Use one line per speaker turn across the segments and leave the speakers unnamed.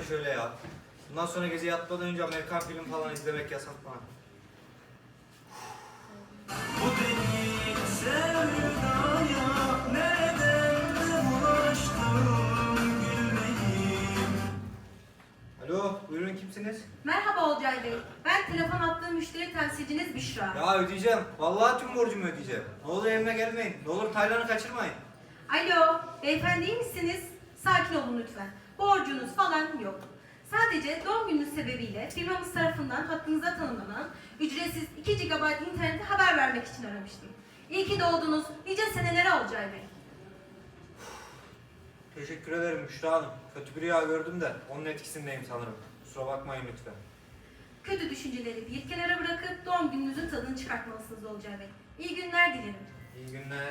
şöyle ya. Bundan sonra gece yatmadan önce Amerikan film falan izlemek yasak bana.
Bu deli sevdaya neden bulaştım gülmeyim.
Alo, buyurun kimsiniz?
Merhaba Olcay Bey. Ben telefon attığım müşteri temsilciniz Büşra.
Ya ödeyeceğim. Vallahi tüm borcumu ödeyeceğim. Ne olur evime gelmeyin. Ne olur Taylan'ı kaçırmayın.
Alo, beyefendi iyi misiniz? Sakin olun lütfen. Borcunuz falan yok. Sadece doğum gününüz sebebiyle firmamız tarafından hakkınıza tanımlanan ücretsiz 2 GB internete haber vermek için aramıştım. İyi ki doğdunuz. Nice senelere Olcay Bey.
Teşekkür ederim Büşra Hanım. Kötü bir rüya gördüm de onun etkisindeyim sanırım. Kusura bakmayın lütfen.
Kötü düşünceleri bir kenara bırakıp doğum gününüzün tadını çıkartmalısınız Olcay Bey. İyi günler dilerim.
İyi günler.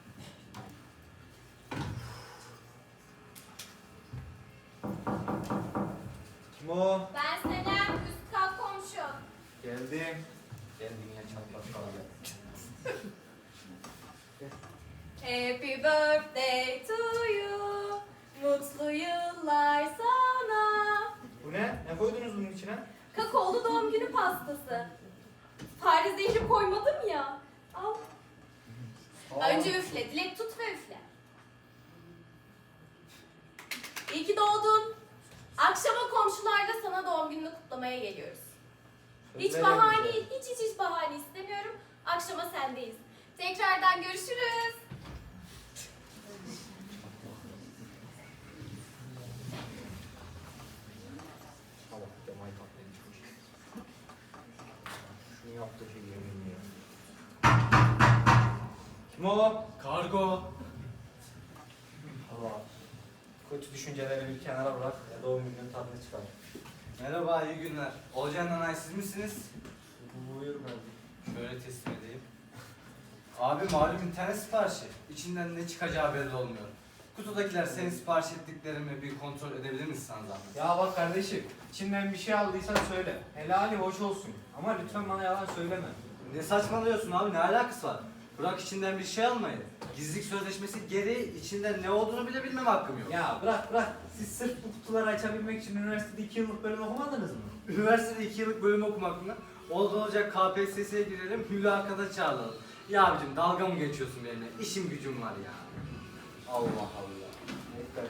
Kim o?
Ben Senem, üst kat komşu.
Geldim. Geldim ya çatlak kalacak.
Happy birthday to you. Mutlu yıllar sana.
Bu ne? Ne koydunuz bunun içine?
Kakaolu doğum günü pastası. Fare zehri koymadım ya. Al. Önce üfle, dilek tut ve üfle. İyi ki doğdun. Akşama komşularla sana doğum gününü kutlamaya geliyoruz. Hiç
Söyleyelim
bahane,
bize.
hiç bahane istemiyorum. Akşama sendeyiz. Tekrardan görüşürüz.
Allah Kemal Tatlı'yı çok. Şunu yaptı ki yemin ya. Kim o?
Kargo.
Allah. Kötü düşünceleri bir kenara bırak. Ya doğum gününün tadını çıkar.
Merhaba, iyi günler. Olcan Nanay siz misiniz?
Buyur ben.
Şöyle teslim edeyim. Abi malum internet siparişi. İçinden ne çıkacağı belli olmuyor. Kutudakiler senin sipariş ettiklerimi bir kontrol edebilir misin sana zahmet?
Ya bak kardeşim, içinden bir şey aldıysan söyle. Helali hoş olsun. Ama lütfen bana yalan söyleme.
Ne saçmalıyorsun abi, ne alakası var? Bırak içinden bir şey almayı. Gizlilik sözleşmesi gereği içinden ne olduğunu bile bilmem hakkım yok.
Ya bırak. Siz sırf bu kutuları açabilmek için üniversitede 2 yıllık bölüm okumadınız mı?
Üniversitede 2 yıllık bölüm okumak mı? Oldu olacak KPSS'ye girelim, mülakata çağıralım. Ya abicim dalga mı geçiyorsun benimle? İşim gücüm var ya. Allah Allah.
Neyse.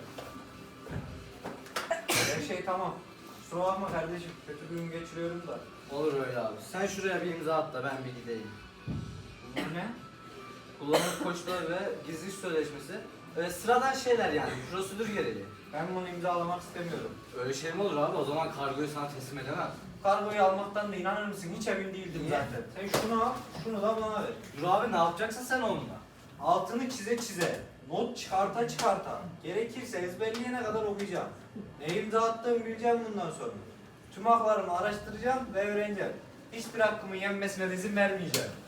Her şey tamam. Kusura bakma kardeşim. Kötü bir gün geçiriyorum da.
Olur öyle abi. Sen şuraya bir imza at da ben bir gideyim.
Bunlar ne?
Kullanım koçları ve gizlilik sözleşmesi. Sıradan şeyler yani, prosedür gereği.
Ben bunu imzalamak istemiyorum.
Öyle şey mi olur abi? O zaman kargoyu sana teslim edemem.
Kargoyu almaktan da inanır mısın? Hiç emin değildim
Niye?
zaten. Sen şunu al, şunu da bana ver.
Dur abi, ne yapacaksın sen onunla?
Altını çize, not çıkarta, gerekirse ezberleyene kadar okuyacağım. Ne imza attığımı bileceğim bundan sonra. Tüm haklarımı araştıracağım ve öğreneceğim. Hiçbir hakkımın yenmesine de izin vermeyeceğim.